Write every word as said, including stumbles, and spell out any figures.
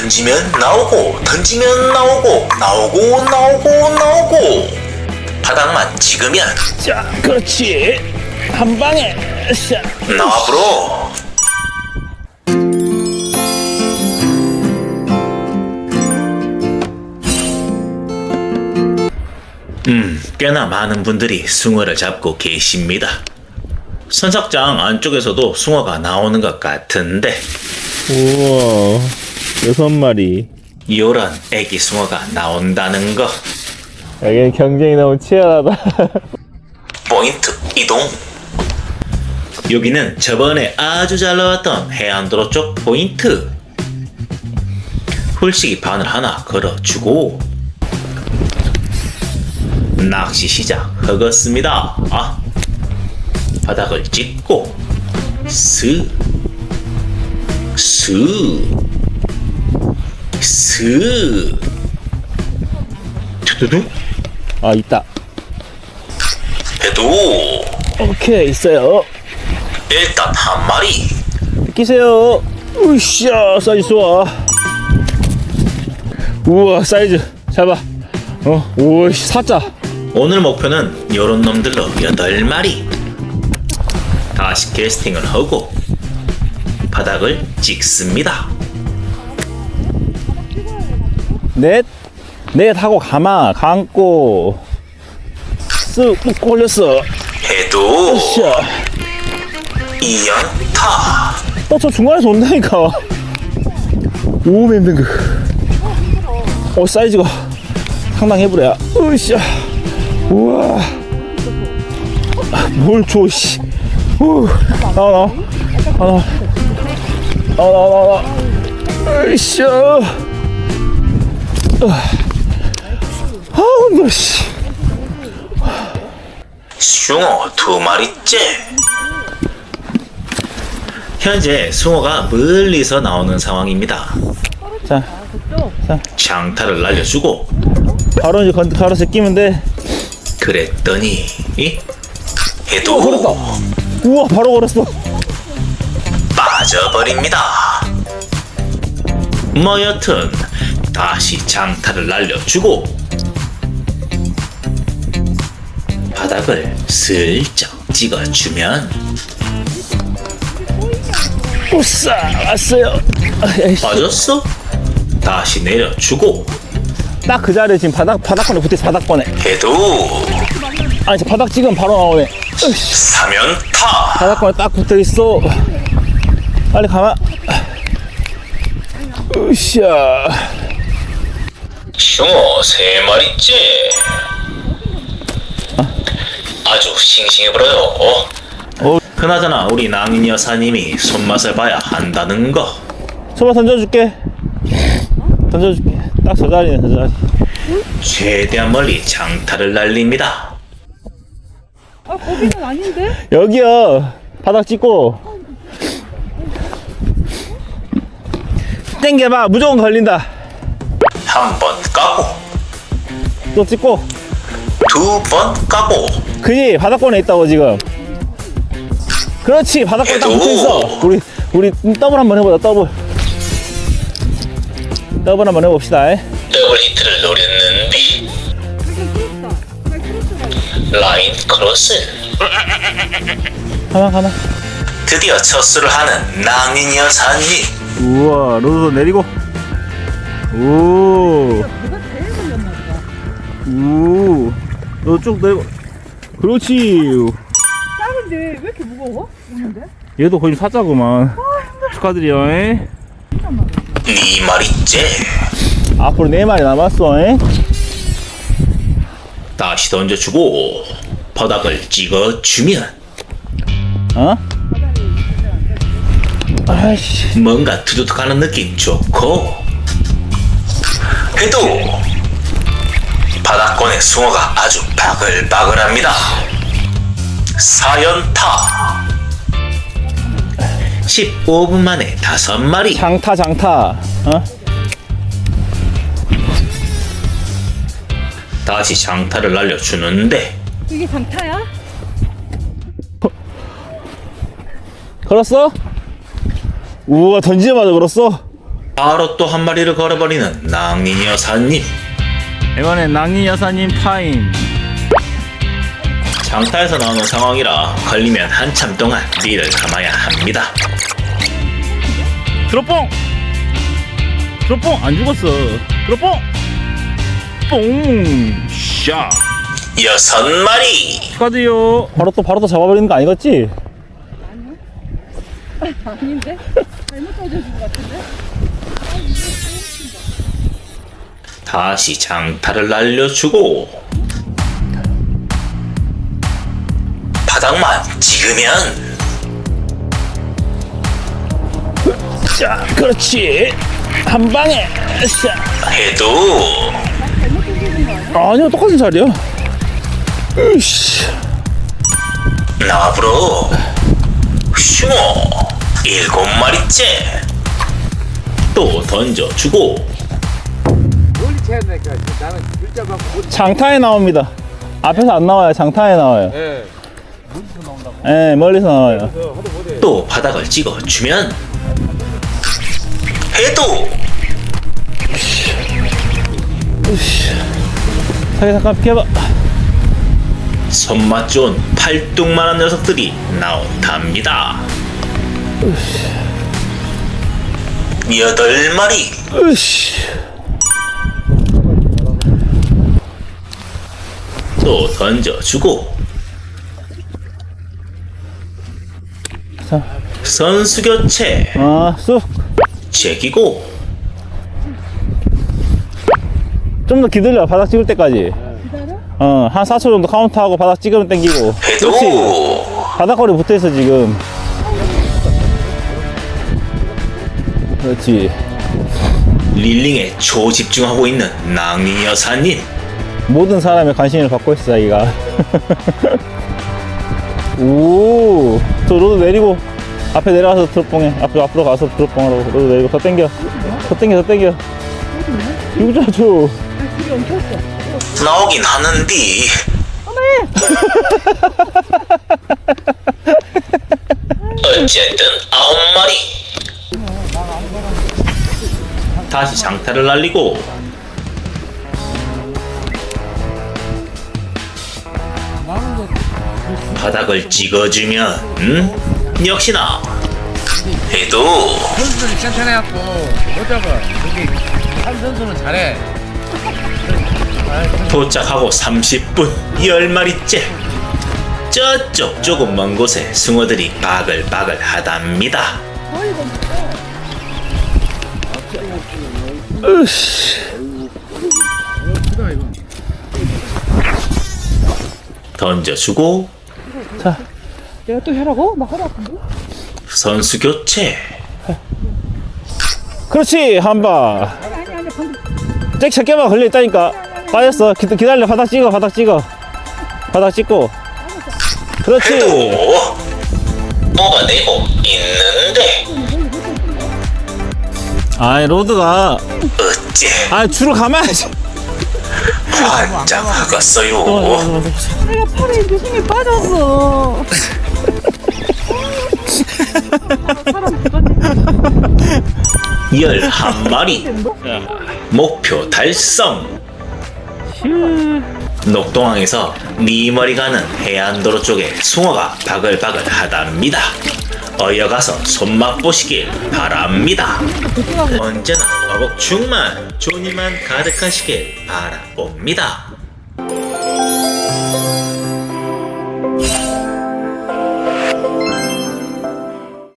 던지면 나오고 던지면 나오고 나오고 나오고 나오고 바닥만 찍으면 자, 그렇지. 한 방에. 자. 나와 브로. 음, 꽤나 많은 분들이 숭어를 잡고 계십니다. 선착장 안쪽에서도 숭어가 나오는 것 같은데 우와, 여섯 마리. 요런 애기 숭어가 나온다는 거. 여기는 경쟁이 너무 치열하다. 포인트 이동. 여기는 저번에 아주 잘 나왔던 해안도로 쪽 포인트. 훌식이 바늘 하나 걸어주고 낚시 시작하겠습니다. 아, 바닥을 찍고 스, 스, 스, 두두두. 아, 있다. 해도 오케이, 있어요. 일단 한 마리. 끼세요. 으쌰, 사이즈 좋아. 우와, 사이즈. 잡아. 어, 오이씨, 사자. 오늘 목표는 요런 놈들로 여덟 마리. 다시 캐스팅을 하고 바닥을 찍습니다. 넷, 넷 하고 가마, 감고. 쓱, 꾹 올렸어. 해도 으쌰. 이연타. 어, 저 중간에서 온다니까. 오, 힘든 거. 어, 사이즈가 상당해 보려. 으쌰. 우와. 아, 뭘 줘, 씨. 우. 나와, 나와. 나와. 나와, 나와, 나와. 으쌰. 아우, 힘들어, 씨. 숭어 두 마리째. 현재 숭어가 멀리서 나오는 상황입니다. 자, 장타를 날려주고 바로 이제 건, 가로수 끼면 돼. 그랬더니 이? 어, 해도 걸었다. 우와, 바로 걸었어. 빠져버립니다. 뭐 여튼 다시 장타를 날려주고 바닥을 슬쩍 찍어주면 우싸, 왔어요. 아이씨. 빠졌어? 다시 내려주고 딱 그 자리에 지금 바닥, 바닥권에 붙어있어, 바닥권에. 해도 아니, 저 바닥 찍으면 바로 나오네. 으이씨. 사면타. 바닥권에 딱 붙어있어. 빨리 가마. 으쌰. 숭어 세 마리째. 아주 싱싱해버려요. 어. 그나저나 우리 낭인 여사님이 손맛을 봐야 한다는 거. 소바 던져줄게. 던져줄게. 딱 저 자리네, 저 자리. 최대한 멀리 장타를 날립니다. 아, 거기는 아닌데? 여기요. 바닥 찍고. 땡겨봐. 무조건 걸린다. 한 번 까고 또 찍고. 두 번 까고 그지? 바닥권에 있다고, 지금. 그렇지. 바닥권에 딱 해도. 붙어있어. 우리, 우리 더블 한번 해보자, 더블. 더블 한번 해봅시다. 에? 더블 히트를 노렸는데 라인 크로스. 가만, 가만. 드디어 첫 수를 하는 낭인 여사님. 우와, 로도 내리고. 오. 우. 너 쭉 내리고. 그렇지. 작은데 왜 이렇게 무거워? 오는데? 얘도 거의 사자구만. 축하드려. 에? 네 마리째. 앞으로 네 마리 남았어. 에? 다시 던져주고 바닥을 찍어주면 어? 아이씨. 뭔가 두둑하는 느낌 좋고 해도 바닥권의 숭어가 아주 바글바글합니다. 사연타. 십오 분 만에 다섯 마리. 장타, 장타. 어? 다시 장타를 날려주는데 이게 장타야? 걸었어? 우와, 던지자마자 걸었어? 바로 또 한 마리를 걸어버리는 낭린 여사님. 이번엔 낭린 여사님 타임. 장타에서 나오는 상황이라 걸리면 한참 동안 리를 감아야 합니다. 드롭봉! 드롭봉! 안 죽었어. 드롭봉! 뽕! 샤! 여섯 마리. 축하드요. 바로 또 바로 또 잡아버리는 거 아니겠지? 아닌데? 잘못 던져준 것 같은데? 다시 장타를 날려주고 바닥만 찍으면 자, 그렇지. 한 방에. 샤. 해도 잘못 던져준 거 아니야? 아니요, 똑같은 자리야. 으씨. 나브로 슈모 일곱 마리째. 또 던져주고 멀리 쳐야 되니까 나는 글자 갖고 못. 장타에 나옵니다. 앞에서 안 나와요. 장타에 나와요. 예. 멀리서 나온다고. 예, 멀리서 나와요. 그래서 하도 못해. 또 바닥을 찍어주면 해도 자기 잠깐 피해봐. 손맛 좋은 팔뚝만한 녀석들이 나온답니다. 여덟 마리. 으씨. 또 던져주고 자, 선수 교체 아, 쑥. 제기고 좀 더 기다려. 바닥 찍을 때까지. 기다려? 어, 한 사 초 정도 카운트하고 바닥 찍으면 땡기고. 그렇지. 해도 바닥거리 붙어있어, 지금. 그렇지. 릴링에 초집중하고 있는 낭린 여사님. 모든 사람의 관심을 받고 있어, 자기가. 오, 저 로드 내리고 앞에 내려가서 드롭봉해. 앞으로 앞으로 가서 드롭봉 하라고. 로드 내리고 더 당겨. 더 당겨, 더 당겨. 이거 줘. 아, 길이 엉켰어. 나오긴 하는디 어쨌든 아홉 마리. 다시 장타를 날리고 바닥을 찍어주면 음? 역시나 해도 선수들이 괜찮아갖고 못 잡아. 여기 한 선수는 잘해. 도착하고 삼십 분 열 마리째. 저쪽 조금 먼 곳에 숭어들이 바글바글 하답니다. 으씨. 크다 이거. 던져주고 자, 내가 또 하라고? 나 허리 아픈데? 선수 교체. 그렇지. 한 방. 아니 아니 아니 방금 잭 새끼만 걸려있다니까. 빠졌어. 기, 기다려. 바닥 찍어. 바닥 찍어. 바닥 찍고. 그렇지. 해도 뭐가 되고 있는데 아이, 로드가. 어째 아, 줄을 감아야지. 환장하겠어요. 내가 팔에 유심히 빠졌어. 사람 누가지? 열한 마리. 목표 달성. 녹동항에서 니머리 가는 해안도로 쪽에 숭어가 바글바글 하답니다. 어여가서 손맛 보시길 바랍니다. 언제나 어복충만 존이만 가득하시길 바라봅니다.